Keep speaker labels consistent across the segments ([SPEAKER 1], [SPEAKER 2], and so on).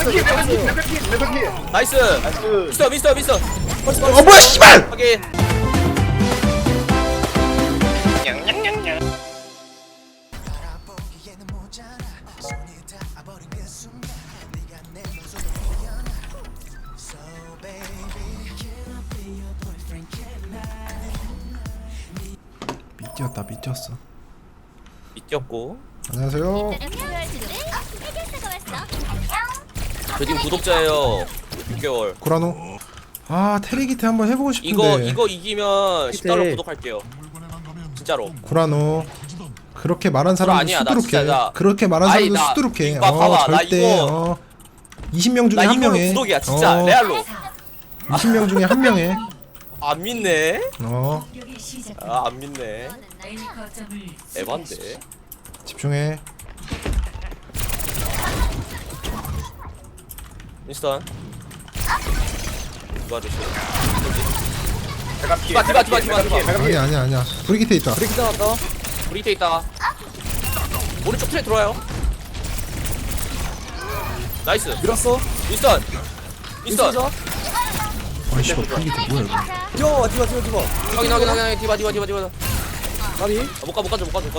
[SPEAKER 1] 나이스. 미스터.
[SPEAKER 2] 뭐야 씨발!
[SPEAKER 1] 확인.
[SPEAKER 2] 미쳤어.
[SPEAKER 1] 미쳤고.
[SPEAKER 2] 안녕하세요.
[SPEAKER 1] 저 지금 구독자예요. 6개월.
[SPEAKER 2] 구라노. 아 테리기테 한번 해보고 싶은데.
[SPEAKER 1] 이거 이기면 10달러 구독할게요. 진짜로.
[SPEAKER 2] 구라노. 그렇게 말한 사람은
[SPEAKER 1] 아니야, 나
[SPEAKER 2] 수두룩해.
[SPEAKER 1] 진짜 나-
[SPEAKER 2] 그렇게 말한
[SPEAKER 1] 아니,
[SPEAKER 2] 사람도
[SPEAKER 1] 나-
[SPEAKER 2] 수두룩해.
[SPEAKER 1] 이거 봐봐, 나
[SPEAKER 2] 절대.
[SPEAKER 1] 이거-
[SPEAKER 2] 20명 중에
[SPEAKER 1] 나
[SPEAKER 2] 한
[SPEAKER 1] 이걸로
[SPEAKER 2] 명에.
[SPEAKER 1] 구독이야 진짜 레알로.
[SPEAKER 2] 20명 중에 한 명에.
[SPEAKER 1] 안 믿네.
[SPEAKER 2] 어
[SPEAKER 1] 아 안 믿네. 에반데.
[SPEAKER 2] 집중해.
[SPEAKER 1] 윈스턴. 이거 아저씨.
[SPEAKER 3] 디바.
[SPEAKER 2] 아니야. 브리기테 있다.
[SPEAKER 3] 브레이크 나왔다.
[SPEAKER 1] 우리 밑에 있다. 오른쪽 트랙 들어와요. 나이스.
[SPEAKER 3] 밀었어.
[SPEAKER 1] 윈스턴. 윈스턴.
[SPEAKER 2] 아이 씨발 브리기테 뭐야 이거.
[SPEAKER 3] 디바.
[SPEAKER 1] 확인. 디바.
[SPEAKER 3] 까비.
[SPEAKER 1] 못 가.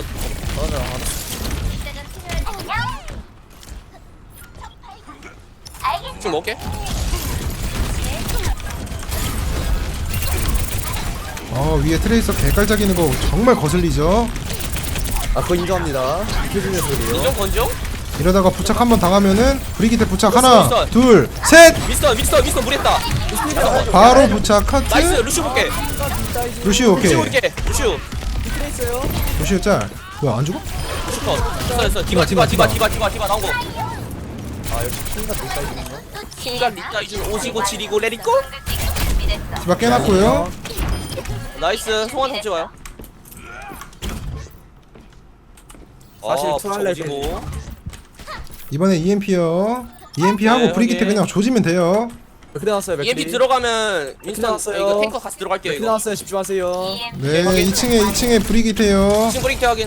[SPEAKER 1] 지금 먹을게.
[SPEAKER 2] 위에 트레이서 개깔짝이는 거 정말 거슬리죠.
[SPEAKER 3] 아 그거 인정합니다. 이겨주는 소리요.
[SPEAKER 1] 인정 건정.
[SPEAKER 2] 이러다가 부착 한번 당하면은 브리기테 부착
[SPEAKER 1] 있어.
[SPEAKER 2] 하나 둘 셋.
[SPEAKER 1] 윈스턴 무리했다.
[SPEAKER 2] 바로 부착 카트.
[SPEAKER 1] 나이스. 루시오 볼게.
[SPEAKER 2] 루시오 오케이.
[SPEAKER 1] 루시오 볼게. 루시오.
[SPEAKER 3] 있어요.
[SPEAKER 2] 루시오 짤. 뭐야 안 죽어?
[SPEAKER 1] 됐어. 디바 나온 거.
[SPEAKER 3] 아 역시 킹가 될까 이거.
[SPEAKER 1] 킹과 리타 이준 오지고 지리고 레리고.
[SPEAKER 2] 디바 깨놨고요.
[SPEAKER 1] 나이스. 송환 정지 와요.
[SPEAKER 3] 사실 투할렛
[SPEAKER 1] 오지고.
[SPEAKER 2] 이번에 EMP요. EMP 하고
[SPEAKER 1] 네,
[SPEAKER 2] 브리기테
[SPEAKER 1] 확인.
[SPEAKER 2] 그냥 조지면 돼요.
[SPEAKER 3] 맥크리 나왔어요. 맥크리.
[SPEAKER 1] EMP 들어가면 윈스턴
[SPEAKER 3] 나왔어요.
[SPEAKER 1] 이거 탱커 같이 들어갈게요.
[SPEAKER 3] 맥크리
[SPEAKER 1] 이거.
[SPEAKER 3] 나왔어요. 집중하세요.
[SPEAKER 2] 네,
[SPEAKER 1] 확인.
[SPEAKER 2] 2층에 브리기테요.
[SPEAKER 1] 지금 브레이크 확인.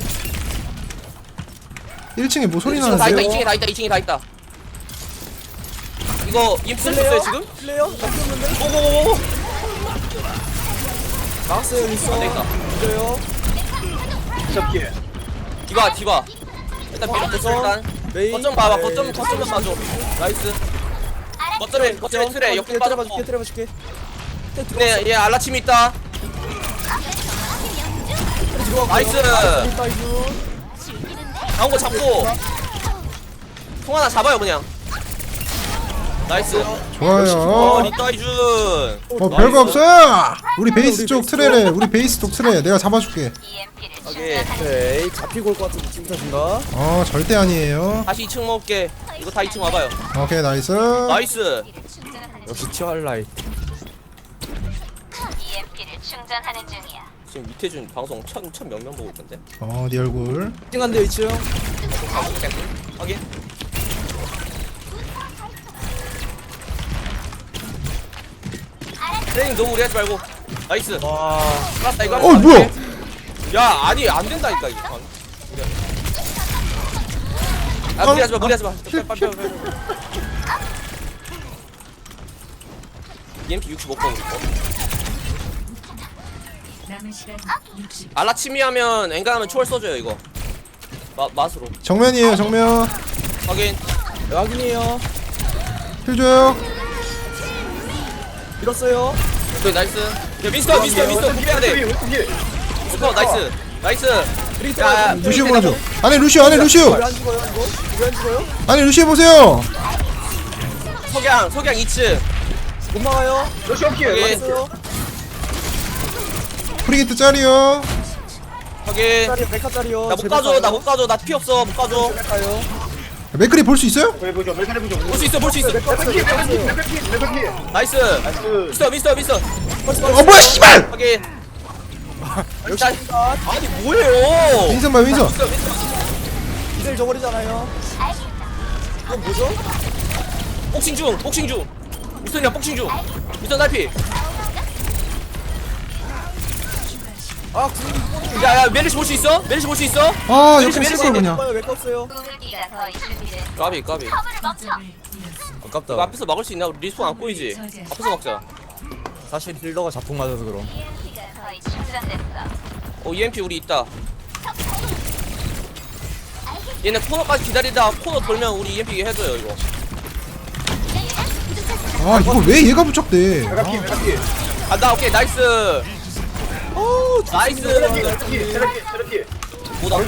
[SPEAKER 2] 1층에 뭐 소리
[SPEAKER 1] 지금 다 있다.
[SPEAKER 2] 나는데요?
[SPEAKER 1] 2층에 다 있다. 이거 EMP 쓸었어요 지금?
[SPEAKER 3] 플레이어? 잡혔는데?
[SPEAKER 1] 오고고고.
[SPEAKER 3] 나왔어요. 있어.
[SPEAKER 1] 안 되겠다.
[SPEAKER 3] 이겨요.
[SPEAKER 1] 디바. 일단 밀어냈어 일단.
[SPEAKER 3] 메인.
[SPEAKER 1] 거점 봐봐.
[SPEAKER 3] 네.
[SPEAKER 1] 거점만 봐줘. 나이스. 거점에 트레 옆에 빠졌고.
[SPEAKER 3] 때려봐줄게.
[SPEAKER 1] 네, 얘 알라침이 있다. 나이스. 나온 거 잡고. 통 하나 잡아요 그냥. 나이스.
[SPEAKER 2] 좋아요.
[SPEAKER 1] 리타 이준.
[SPEAKER 2] 별거 없어요. 우리 베이스 쪽 트레래. 우리 베이스 쪽 트레. 내가 잡아줄게.
[SPEAKER 1] 오케이.
[SPEAKER 3] 오케이. 잡히고 올 것 같은 느낌 탓인가?
[SPEAKER 2] 절대 아니에요.
[SPEAKER 1] 다시 2층 먹을게. 이거 다 2층 와봐요.
[SPEAKER 2] 오케이 나이스.
[SPEAKER 1] 나이스.
[SPEAKER 3] 역시 티얼라이트.
[SPEAKER 4] EMP를 충전하는 중이야.
[SPEAKER 1] 지금 밑에준 방송 천 몇 명 보고 있던데.
[SPEAKER 2] 네 얼굴.
[SPEAKER 3] 1층 간대요 2층.
[SPEAKER 1] 확인. 트레이닝 너무 무리하지 말고. 나이스.
[SPEAKER 3] 와.
[SPEAKER 1] 알았다 이거.
[SPEAKER 2] 뭐야?
[SPEAKER 1] 야 아니 안 된다니까 이거. 무리하지 마. 빨리. EMP 65%. 알라치미 하면 엔간하면 초월 써줘요 이거. 맛으로.
[SPEAKER 2] 정면이에요 정면.
[SPEAKER 1] 확인.
[SPEAKER 3] 네, 확인이에요.
[SPEAKER 2] 힐 줘요.
[SPEAKER 3] 밀었어요.
[SPEAKER 1] 오케이 나이스. 야 미스터 구비해야 돼. 미스터 나이스.
[SPEAKER 3] 브레이크
[SPEAKER 1] 야,
[SPEAKER 2] 루시오 보여줘. 안에 루시오.
[SPEAKER 3] 왜안 죽어요 이거? 왜 안 죽어요?
[SPEAKER 2] 안에 루시오 보세요.
[SPEAKER 1] 석양 2층.
[SPEAKER 3] 못 막아요.
[SPEAKER 1] 확인.
[SPEAKER 3] 막았어요.
[SPEAKER 2] 브리기테 짤이요.
[SPEAKER 1] 확인.
[SPEAKER 3] 짜리 메카짜리요.
[SPEAKER 1] 나 못 가줘. 나 피 없어. 못 가줘.
[SPEAKER 3] 메카요.
[SPEAKER 2] 맥크리 볼 수 있어요?
[SPEAKER 1] 볼 수 있어. 나이스. 미스터.
[SPEAKER 2] 뭐야 씨발.
[SPEAKER 1] 확인.
[SPEAKER 3] 역시
[SPEAKER 1] 아니 뭐예요?
[SPEAKER 2] 윈선 봐 윈선.
[SPEAKER 1] 미스터.
[SPEAKER 3] 이들 저버리잖아요. 이건 뭐죠?
[SPEAKER 1] 복싱 중. 미스터야 복싱 중. 미스터 날피.
[SPEAKER 3] 아
[SPEAKER 1] 야 메르시 볼 수 있어?
[SPEAKER 2] 옆에 쓸걸 그냥.
[SPEAKER 3] 메카 없어요.
[SPEAKER 4] 공격기가 더 준비된
[SPEAKER 1] 까비.
[SPEAKER 4] 컵을 멈춰.
[SPEAKER 3] 아깝다.
[SPEAKER 1] 이거 앞에서 막을 수 있나? 우리 리스폰 안 보이지? 앞에서 막자.
[SPEAKER 3] 사실 힐러가 자폭 맞아서 그럼.
[SPEAKER 4] EMP가 거의 충전됐어.
[SPEAKER 1] EMP 우리 있다. 얘네 코너까지 기다리다 코너 돌면 우리 EMP 해줘요 이거.
[SPEAKER 2] 아 이거 왜 얘가 부착돼?
[SPEAKER 1] 간다. 오케이 나이스. 오 나이스. 뭐다?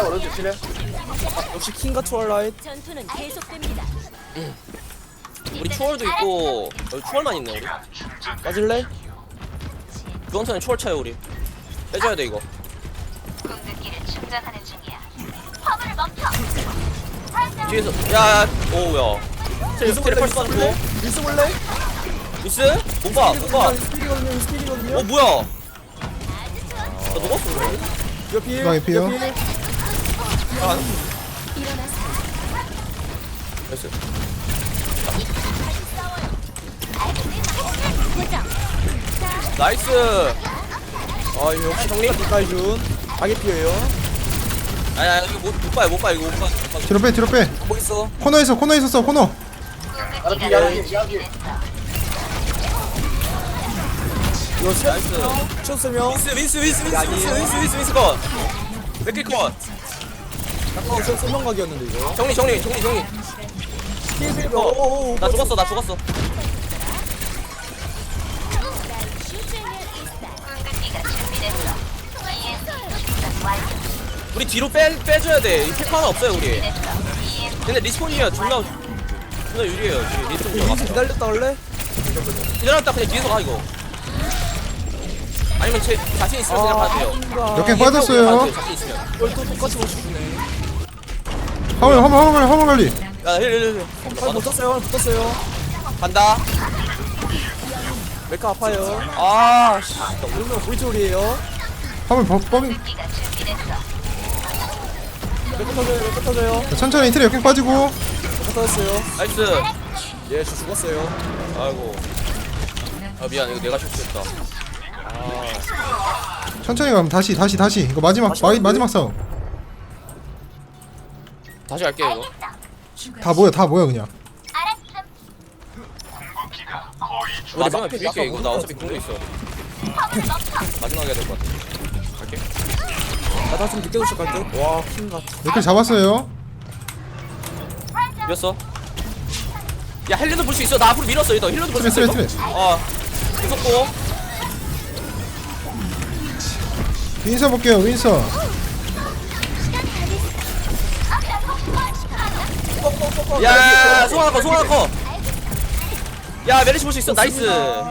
[SPEAKER 3] 역시 킹과 트월라이트.
[SPEAKER 5] 전투는 계속됩니다.
[SPEAKER 1] 우리 추월도 있고 여기 추월만 있네 우리.
[SPEAKER 3] 빠질래?
[SPEAKER 1] 주원선에 추월 차요 우리. 빼줘야 돼 이거.
[SPEAKER 4] 궁극기를 충전하는 중이야. 화물을 멈춰.
[SPEAKER 1] 뒤에서 야 오우야. 트레 펄스 받고.
[SPEAKER 3] 밀수 볼래?
[SPEAKER 1] 미스? 못 봐. 못 봐.
[SPEAKER 3] 스킬이거든요. 스킬이거든요.
[SPEAKER 1] 뭐야? 나 녹았어 그래.
[SPEAKER 3] 옆필.
[SPEAKER 2] 나 옆이요.
[SPEAKER 1] 아. 나이스. 나이스.
[SPEAKER 3] 아 이거 역시 정리 가이준. 가게 피해요.
[SPEAKER 1] 아야 이거 못 봐요 못 봐 이거 못 봐.
[SPEAKER 2] 뒤로 빼 뒤로 빼.
[SPEAKER 3] 뭐 있어?
[SPEAKER 2] 코너에 있었어 코너.
[SPEAKER 3] 이거
[SPEAKER 1] 나이스.
[SPEAKER 3] 쳤으면
[SPEAKER 1] 미스 컷. 맥킬 컷.
[SPEAKER 3] 약간 소명각이었는데 이거.
[SPEAKER 1] 정리.
[SPEAKER 3] 힐
[SPEAKER 1] 어. 나 죽었어.
[SPEAKER 4] 궁극기가 준비됐어. EMP 충전 완료.
[SPEAKER 1] 우리 뒤로 빼줘야 돼. 캐커 하나 없어요 우리. 근데 리스폰이야 존나 유리해요. 지금 리스폰
[SPEAKER 3] 민수
[SPEAKER 1] 들어갔어.
[SPEAKER 3] 기다렸다 원래?
[SPEAKER 1] 기다렸다 그냥 뒤에서 가 이거. 아니면 제 자신 있으면 그냥 가도 돼요.
[SPEAKER 2] 역행 빠졌어요.
[SPEAKER 1] 자신 있으면.
[SPEAKER 3] 이걸 또 똑같이 못 주네.
[SPEAKER 2] 화물 관리.
[SPEAKER 1] 야 힐.
[SPEAKER 3] 팔 붙었어요. 붙었어요.
[SPEAKER 1] 간다.
[SPEAKER 3] 메카 아파요.
[SPEAKER 1] 아 씨.
[SPEAKER 3] 이러면 보이트홀이에요.
[SPEAKER 2] 화물 범.
[SPEAKER 4] 궁극기가 준비됐어.
[SPEAKER 3] 메카 터져요.
[SPEAKER 2] 천천히 트레 역행 빠지고.
[SPEAKER 3] 메카 터졌어요.
[SPEAKER 1] 나이스.
[SPEAKER 3] 예, 저 죽었어요.
[SPEAKER 1] 아이고. 아 미안 이거 내가 실수했다.
[SPEAKER 2] 천천히 가면 다시. 이거 마지막 싸움.
[SPEAKER 1] 다시 할게 이거.
[SPEAKER 2] 다 모여 그냥.
[SPEAKER 4] 알았음.
[SPEAKER 1] 마지막에 비빌게 이거. 나 어차피 궁도 있어. 마지막에 해야 될 것 같아. 갈게.
[SPEAKER 3] 나 다시 늦게 도착할 때. 와, 킹 같아.
[SPEAKER 2] 맥클 잡았어요.
[SPEAKER 1] 이겼어. 야 헬리도 볼 수 있어. 나 앞으로 밀었어. 이거 헬리도 볼 수 있어.
[SPEAKER 2] 트레.
[SPEAKER 1] 이거? 아 무섭고.
[SPEAKER 2] 윈서 볼게요 윈서.
[SPEAKER 1] 야 송하나 거. 야 메리시 볼 수 있어. 나이스.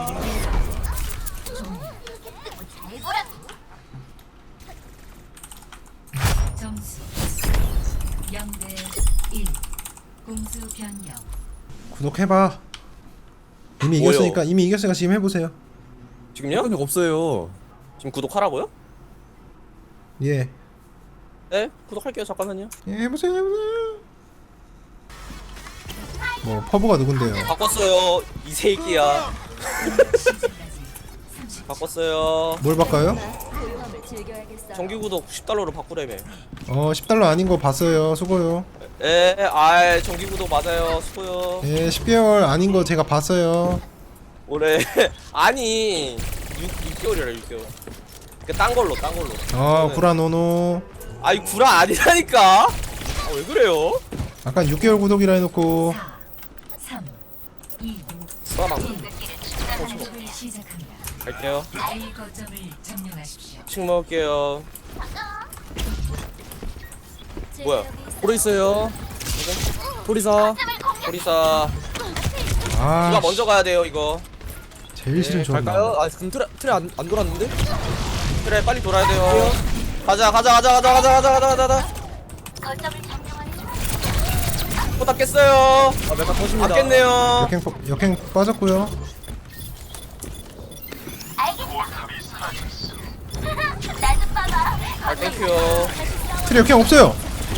[SPEAKER 5] 점수 0대 1. 공수 변경.
[SPEAKER 2] 구독해봐. 이미
[SPEAKER 1] 뭐요?
[SPEAKER 2] 이겼으니까 지금 해보세요.
[SPEAKER 1] 지금요?
[SPEAKER 3] 이 없어요.
[SPEAKER 1] 지금 구독하라고요?
[SPEAKER 2] 예.
[SPEAKER 1] 네 구독할게요. 잠깐만요.
[SPEAKER 2] 예 해보세요. 뭐 퍼브가 누군데요?
[SPEAKER 1] 바꿨어요. 이 새끼야. 바꿨어요.
[SPEAKER 2] 뭘 바꿔요?
[SPEAKER 5] 고요함을 즐겨야겠어요.
[SPEAKER 1] 정기 구독 10달러로 바꾸래매.
[SPEAKER 2] 10달러 아닌 거 봤어요. 수고요.
[SPEAKER 1] 정기 구독 맞아요. 수고요.
[SPEAKER 2] 예 10개월 아닌 거 제가 봤어요.
[SPEAKER 1] 올해 아니 6개월이라 6개월. 딴 걸로.
[SPEAKER 2] 구라노노.
[SPEAKER 1] 아이 구라 아니라니까. 왜 그래요?
[SPEAKER 2] 아까 6개월 구독이라 해놓고
[SPEAKER 5] 3, 2,
[SPEAKER 1] 수아망
[SPEAKER 4] 궁극기를 충전하는
[SPEAKER 5] 공격을
[SPEAKER 4] 중이야.
[SPEAKER 5] 시작합니다.
[SPEAKER 1] 갈게요.
[SPEAKER 5] A 거점을 점령하십시오.
[SPEAKER 1] 식 먹을게요. 뭐야?
[SPEAKER 3] 보러 있어요. 도리사.
[SPEAKER 1] 오리사.
[SPEAKER 2] 아
[SPEAKER 1] 누가 먼저 가야 돼요 이거.
[SPEAKER 2] 제일 싫은 조합.
[SPEAKER 3] 갈까요? 아, 그럼 틀에 안 돌았는데?
[SPEAKER 1] 그래 빨리 돌아야 돼요. 가자.
[SPEAKER 4] 거점을 점령하는 중.
[SPEAKER 1] 포탑 깼어요.
[SPEAKER 3] 아, 메카 터집니다.
[SPEAKER 1] 안 깼네요.
[SPEAKER 2] 역행 빠졌고요.
[SPEAKER 4] 알겠다. 나 좀 봐봐.
[SPEAKER 1] 아 땡큐.
[SPEAKER 2] 트레 역행 없어요.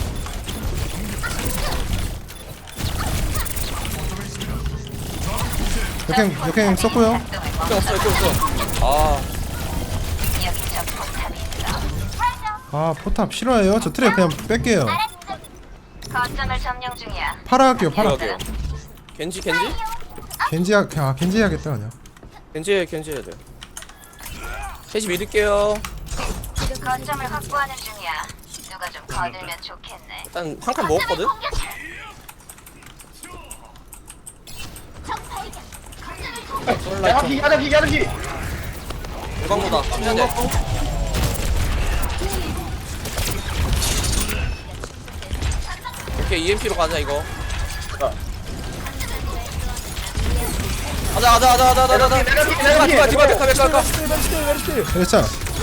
[SPEAKER 2] 역행 썼고요.
[SPEAKER 1] 없어. 아
[SPEAKER 4] 여기 저 포탑이 있어.
[SPEAKER 2] 아 포탑 싫어해요. 저 트레 그냥 뺄게요.
[SPEAKER 4] 거점을 점령 중이야.
[SPEAKER 2] 팔아 할게요. 팔아.
[SPEAKER 1] 이러게요. 겐지
[SPEAKER 2] 겐지 해야겠다 그냥.
[SPEAKER 1] 해야 돼. 셋이 믿을게요.
[SPEAKER 4] 거점을 확보하는 중이야. 누가 좀 거들면 좋겠네.
[SPEAKER 1] 일단 한 칸 먹었거든.
[SPEAKER 3] 야기.
[SPEAKER 1] 용광로다. 해야 돼. 오케이 EMP로 가자 이거. 가자. 디바.
[SPEAKER 2] 그랬자.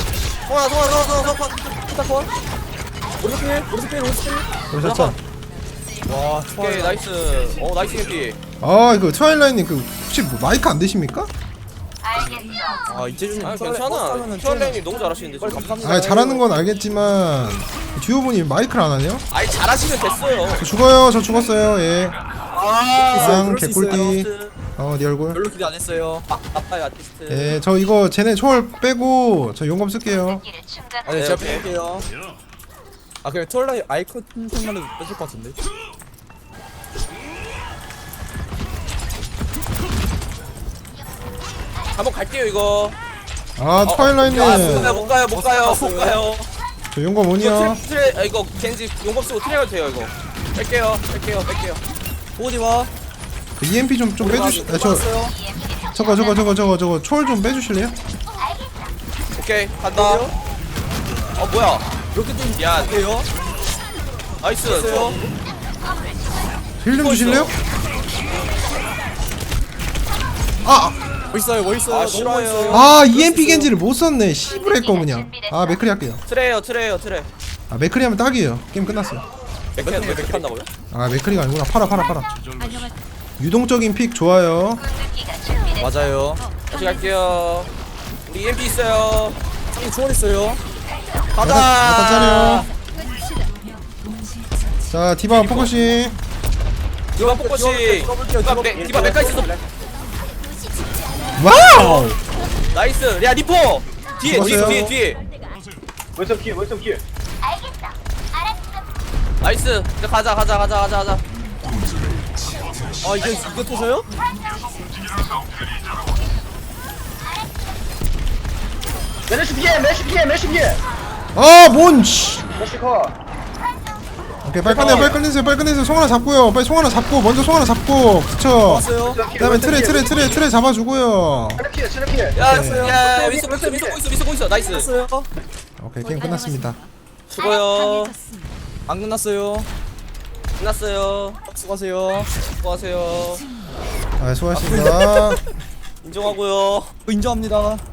[SPEAKER 1] 송아.
[SPEAKER 3] 오른쪽 필.
[SPEAKER 2] 그랬자.
[SPEAKER 3] 와,
[SPEAKER 1] 오케이 나이스. 나이스 EMP.
[SPEAKER 2] 아 이거 트와일라이님 그 혹시 뭐 마이크 안 되십니까?
[SPEAKER 4] 알겠어.
[SPEAKER 3] 아, 이재준님
[SPEAKER 1] 괜찮아. 큐얼레님 너무 잘하시는데 지금.
[SPEAKER 3] 감사합니다.
[SPEAKER 2] 아 잘하는 건 알겠지만 듀오분이 마이크를 안 하네요?
[SPEAKER 1] 아니 잘하시면 됐어요.
[SPEAKER 2] 저 죽어요. 저 죽었어요. 예.
[SPEAKER 3] 그럴 수
[SPEAKER 2] 개꿀띠.
[SPEAKER 3] 있어요.
[SPEAKER 2] 네 얼굴.
[SPEAKER 3] 별로 기대 안 했어요.
[SPEAKER 1] 아빠의 아티스트.
[SPEAKER 2] 예, 저 이거 쟤네 초월 빼고 저 용검 쓸게요.
[SPEAKER 4] 길을 충전.
[SPEAKER 3] 아, 네, 제가
[SPEAKER 1] 오케이.
[SPEAKER 3] 뺄게요. 아, 그냥 톨라이 아이콘 생만해도 뺏을 것 같은데.
[SPEAKER 1] 한번 갈게요 이거.
[SPEAKER 2] 아 트와일라이님
[SPEAKER 1] 못 가요.
[SPEAKER 2] 저 용검 온이요.
[SPEAKER 1] 이거 겐지 용검 쓰고 트레이가 돼요 이거. 뺄게요.
[SPEAKER 3] 어디 와?
[SPEAKER 2] 그 EMP 좀 빼주시. 아, 저거 초월 좀 빼주실래요?
[SPEAKER 1] 오케이 간다. 뭐야?
[SPEAKER 3] 이렇게 좀
[SPEAKER 1] 야
[SPEAKER 3] 돼요?
[SPEAKER 1] 나이스.
[SPEAKER 3] 됐어요?
[SPEAKER 2] 힐 좀 주실래요? 아,
[SPEAKER 3] 멋있어요.
[SPEAKER 1] 아, 싫어요.
[SPEAKER 2] 아 EMP 겐지를 못 썼네. 씨부레 거 그냥. 아 맥크리 할게요.
[SPEAKER 1] 트레.
[SPEAKER 2] 아 맥크리 하면 딱이에요. 게임 끝났어요.
[SPEAKER 1] 맥 한다고요?
[SPEAKER 2] 아 맥크리가 아니구나. 팔아. 유동적인 픽 좋아요.
[SPEAKER 4] 공격기가 준비됐어.
[SPEAKER 3] 맞아요.
[SPEAKER 1] 다시 갈게요. 우리 EMP 있어요.
[SPEAKER 3] 형이 초월 있어요.
[SPEAKER 1] 가자.
[SPEAKER 2] 약간 짜려. 자 디바 포커싱.
[SPEAKER 1] 디바 포커싱. 디바 메카 있어.
[SPEAKER 2] 와우.
[SPEAKER 1] 나이스. 야 리포. 뒤에.
[SPEAKER 2] 죽었어요.
[SPEAKER 4] 알겠어. 알았어.
[SPEAKER 1] 나이스. 이제 가자.
[SPEAKER 3] 아, 이게 터져요?
[SPEAKER 6] 메시 피해.
[SPEAKER 2] 아 뭔. 씨.
[SPEAKER 6] 메시 컷.
[SPEAKER 2] 오케이 빨리 끝내세요. 송 하나 잡고요. 빨리 송 하나 잡고 먼저 송 하나 잡고 붙여.
[SPEAKER 3] 왔어요.
[SPEAKER 2] 그다음에 트레 잡아주고요.
[SPEAKER 6] 체력 피해.
[SPEAKER 1] 야 윈스 있어. 나이스.
[SPEAKER 3] 끝났어요.
[SPEAKER 2] 오케이 게임 끝났습니다.
[SPEAKER 1] 수고요.
[SPEAKER 3] 안 끝났어요.
[SPEAKER 1] 끝났어요.
[SPEAKER 3] 수고하세요.
[SPEAKER 1] 수고하세요.
[SPEAKER 2] 아 수고하셨습니다.
[SPEAKER 1] 인정하고요.
[SPEAKER 3] 인정합니다.